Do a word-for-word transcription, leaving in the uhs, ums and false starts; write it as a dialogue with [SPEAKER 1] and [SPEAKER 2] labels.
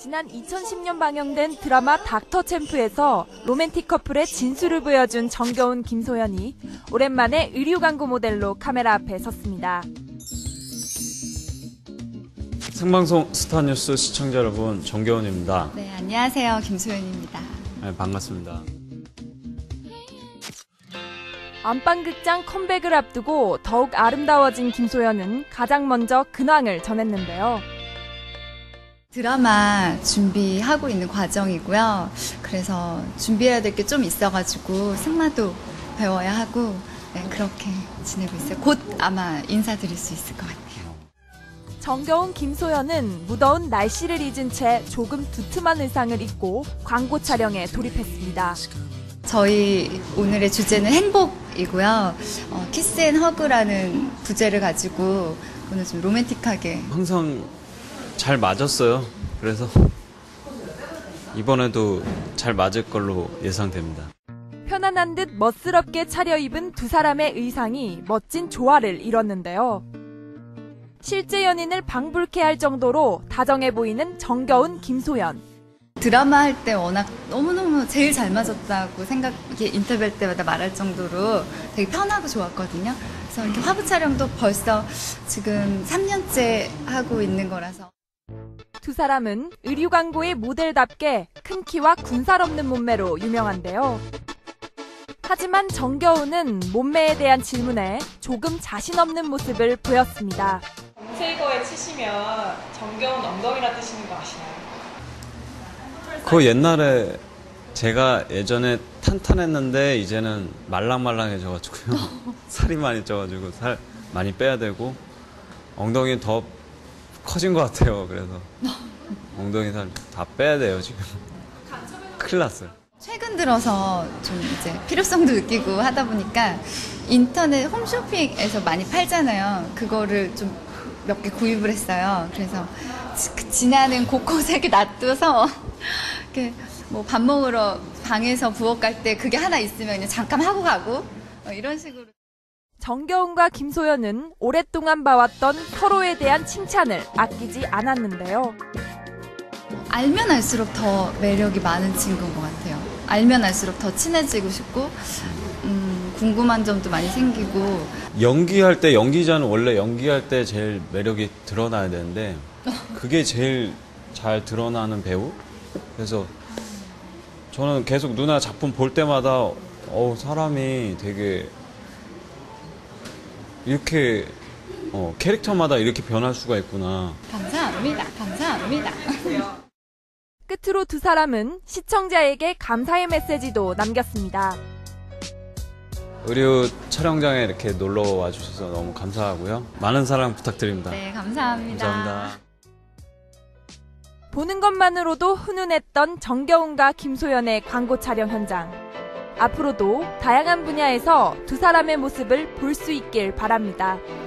[SPEAKER 1] 지난 이천십 년 방영된 드라마 닥터 챔프에서 로맨틱 커플의 진수를 보여준 정겨운, 김소연이 오랜만에 의류 광고 모델로 카메라 앞에 섰습니다.
[SPEAKER 2] 생방송 스타뉴스 시청자 여러분, 정겨운입니다.
[SPEAKER 3] 네, 안녕하세요. 김소연입니다.
[SPEAKER 2] 네, 반갑습니다.
[SPEAKER 1] 안방극장 컴백을 앞두고 더욱 아름다워진 김소연은 가장 먼저 근황을 전했는데요.
[SPEAKER 3] 드라마 준비하고 있는 과정이고요. 그래서 준비해야 될 게 좀 있어가지고 승마도 배워야 하고 네, 그렇게 지내고 있어요. 곧 아마 인사드릴 수 있을 것 같아요.
[SPEAKER 1] 정겨운 김소연은 무더운 날씨를 잊은 채 조금 두툼한 의상을 입고 광고 촬영에 돌입했습니다.
[SPEAKER 3] 저희 오늘의 주제는 행복이고요. 어, 키스 앤 허그라는 부제를 가지고 오늘 좀 로맨틱하게.
[SPEAKER 2] 항상 잘 맞았어요. 그래서 이번에도 잘 맞을 걸로 예상됩니다.
[SPEAKER 1] 편안한 듯 멋스럽게 차려입은 두 사람의 의상이 멋진 조화를 이뤘는데요. 실제 연인을 방불케 할 정도로 다정해 보이는 정겨운 김소연.
[SPEAKER 3] 드라마 할 때 워낙 너무너무 제일 잘 맞았다고 생각, 이게 인터뷰할 때마다 말할 정도로 되게 편하고 좋았거든요. 그래서 이렇게 화보 촬영도 벌써 지금 삼 년째 하고 있는 거라서.
[SPEAKER 1] 두 사람은 의류 광고의 모델답게 큰 키와 군살 없는 몸매로 유명한데요. 하지만 정겨운은 몸매에 대한 질문에 조금 자신 없는 모습을 보였습니다.
[SPEAKER 4] 검색어에 치시면 정겨운 엉덩이라 뜨시는 거 아시나요?
[SPEAKER 2] 그 옛날에 제가 예전에 탄탄했는데 이제는 말랑말랑해져가지고요. 살이 많이 쪄가지고 살 많이 빼야 되고 엉덩이 더 커진 것 같아요. 그래서 엉덩이 살 다 빼야 돼요 지금. 큰일 났어요.
[SPEAKER 3] 최근 들어서 좀 이제 필요성도 느끼고 하다 보니까 인터넷 홈쇼핑에서 많이 팔잖아요. 그거를 좀 몇 개 구입을 했어요. 그래서 지, 지나는 곳곳에 이렇게 놔둬서 이렇게 뭐 밥 먹으러 방에서 부엌 갈 때 그게 하나 있으면 그냥 잠깐 하고 가고 어, 이런 식으로.
[SPEAKER 1] 정겨운과 김소연은 오랫동안 봐왔던 서로에 대한 칭찬을 아끼지 않았는데요.
[SPEAKER 3] 알면 알수록 더 매력이 많은 친구인 것 같아요. 알면 알수록 더 친해지고 싶고 음, 궁금한 점도 많이 생기고.
[SPEAKER 2] 연기할 때, 연기자는 원래 연기할 때 제일 매력이 드러나야 되는데 그게 제일 잘 드러나는 배우? 그래서 저는 계속 누나 작품 볼 때마다 어 사람이 되게 이렇게 어, 캐릭터마다 이렇게 변할 수가 있구나.
[SPEAKER 3] 감사합니다. 감사합니다.
[SPEAKER 1] 끝으로 두 사람은 시청자에게 감사의 메시지도 남겼습니다.
[SPEAKER 2] 의류 촬영장에 이렇게 놀러 와주셔서 너무 감사하고요. 많은 사랑 부탁드립니다.
[SPEAKER 3] 네, 감사합니다.
[SPEAKER 2] 감사합니다.
[SPEAKER 1] 보는 것만으로도 훈훈했던 정겨운과 김소연의 광고 촬영 현장. 앞으로도 다양한 분야에서 두 사람의 모습을 볼 수 있길 바랍니다.